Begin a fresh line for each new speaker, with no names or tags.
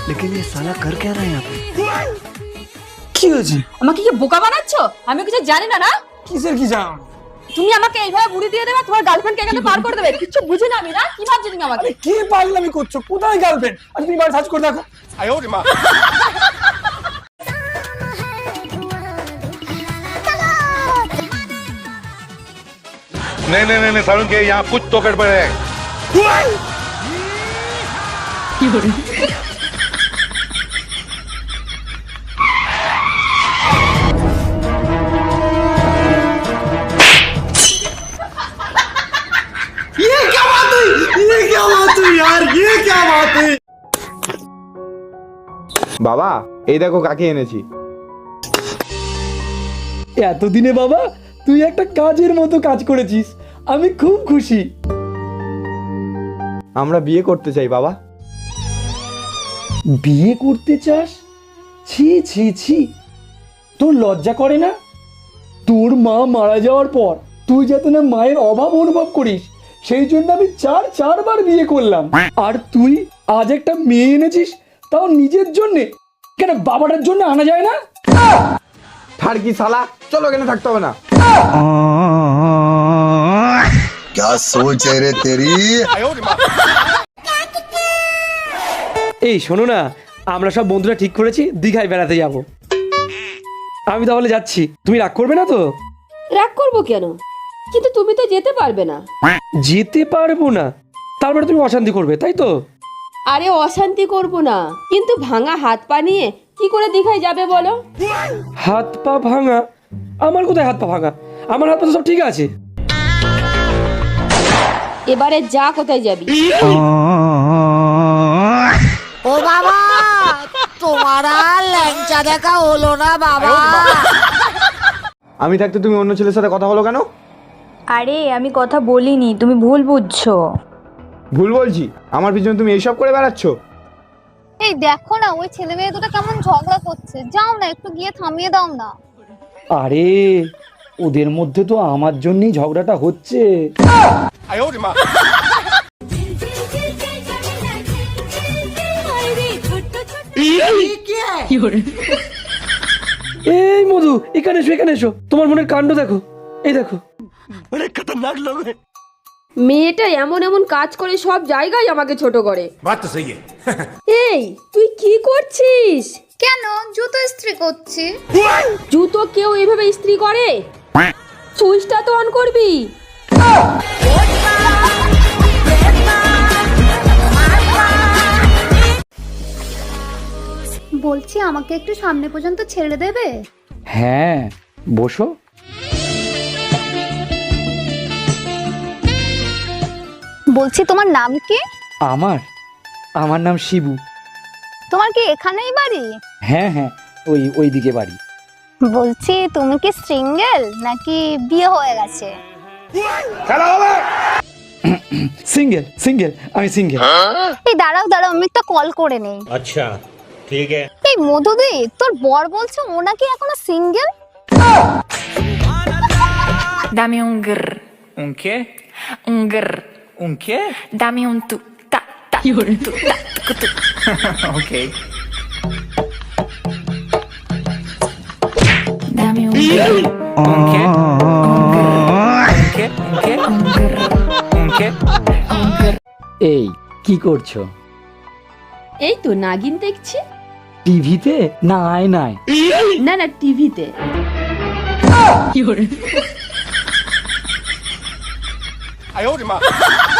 लेकिन ये साला कर क्या रहा है यहाँ पे?
কি হয়েছে?
আমাকে কি বোকা বানাচ্ছো? আমি কিছু জানি না না?
কিসের কি জানো?
তুমি আমাকে এইভাবে বুড়ি দিয়ে দেবে, তোমার গার্লফ্রেন্ডকে এখানে পার করে দেবে, কিছু বুঝি না আমি না? কি ভাবছো তুমি আমাকে?
আরে কি পাগলামি করছো? কোথায় গার্লফ্রেন্ড? আজ তুমি বাড়ি সার্চ করে দেখো।
नहीं नहीं नहीं सारुण के यहाँ कुछ तो गड़बड़ है।
ये क्या बात हुई? ये क्या बात हुई यार? ये क्या बात हुई?
বাবা এই দেখো কাকে এনেছি।
এতদিনে বাবা তুই একটা কাজের মতো কাজ করেছিস, আমি খুব খুশি।
আমরা বিয়ে করতে চাই বাবা।
বিয়ে করতে চাস? ছি ছি ছি, তোর লজ্জা করে না? তোর মা মারা যাওয়ার পর তুই যাতে না মায়ের অভাব অনুভব করিস, সেই জন্য আমি চারবার বিয়ে করলাম। আর তুই আজ একটা মেয়ে এনেছিস, তাও নিজের জন্যে। কেন বাবাটার জন্য আনা যায় না?
থার কি শালা, চলো এখানে থাকতে হবে না।
क्या सोच है रे तेरी?
এই শোনো না, আমরা সব বন্ধুরা ঠিক করেছি দীঘায় বেড়াতে যাব। আমি তাহলে যাচ্ছি, তুমি রাগ করবে না তো?
রাগ করবো কেন? কিন্তু তুমি তো যেতে পারবে না।
যেতে পারবো না? তারপরে তুমি অশান্তি করবে, তাই তো?
আরে অশান্তি করব না, কিন্তু ভাঙা হাত পা নিয়ে কি করে দীঘায় যাবে বলো?
হাত পা ভাঙা? আমার কোথায় হাত পা ভাঙা? আমার হাত পা তো সব ঠিক আছে।
এবারে যা, কোথায় যাবি?
ও বাবা, তোমার আর ল্যাংচা দেখা হলো না বাবা।
আমি থাকতে তুমি অন্য ছেলের সাথে কথা বলো কেন?
আরে আমি কথা বলিনি, তুমি ভুল বুঝছো।
ভুল বলছি? আমার পিছনে তুমি এইসব করে বেড়াচ্ছ?
এই দেখো না, ওই ছেলে মেয়ে দুটো কেমন ঝগড়া করছে, যাও না একটু গিয়ে থামিয়ে দাও না।
আরে ওদের মধ্যে তো আমার জন্যই ঝগড়াটা হচ্ছে। এই মধু, এখানে এসো, এখানে এসো, তোমার মনের কাণ্ড দেখো, এই দেখো।
बड़े खतरनाक लोग हैं।
মেয়েটা এমন এমন কাজ করে সব জায়গায় আমাকে ছোট করে।
बात तो सही है।
এই তুই কি করছিস?
কেন? জুতো ইস্ত্রি করছি।
জুতো কেউ এইভাবে ইস্ত্রি করে? সুইচটা তো অন করবি।
বলছি আমাকে একটু সামনে পর্যন্ত ছেড়ে দেবে?
হ্যাঁ বসো।
বলছি তোমার নাম কি?
আমার নাম শিবু।
তোমার কি এখানেই বাড়ি?
হ্যাঁ হ্যাঁ, ওই দিকে বাড়ি।
বলছি তুমি কি সিঙ্গেল নাকি বিয়ে হয়ে গেছে?
সিঙ্গেল সিঙ্গেল, আমি সিঙ্গেল।
এই দাঁড়াও দাঁড়াও, আমি একটা কল করে নেই।
अच्छा ठीक है।
এই মধুদি, তোর বর বলছে ও নাকি এখনো single.
Dame un grr.
Un qué?
Un grr.
Un qué?
Dame un tu ta ta tu ta tu.
Okay.
Dame un grr.
Un qué? Un qué? Un qué?
Un grr.
Un qué?
Un grr.
এই কি করছো?
এই তো নাগিন দেখছি।
টিভিতে না আয়নায়?
না না, টিভিতে।
आयो रे माँ।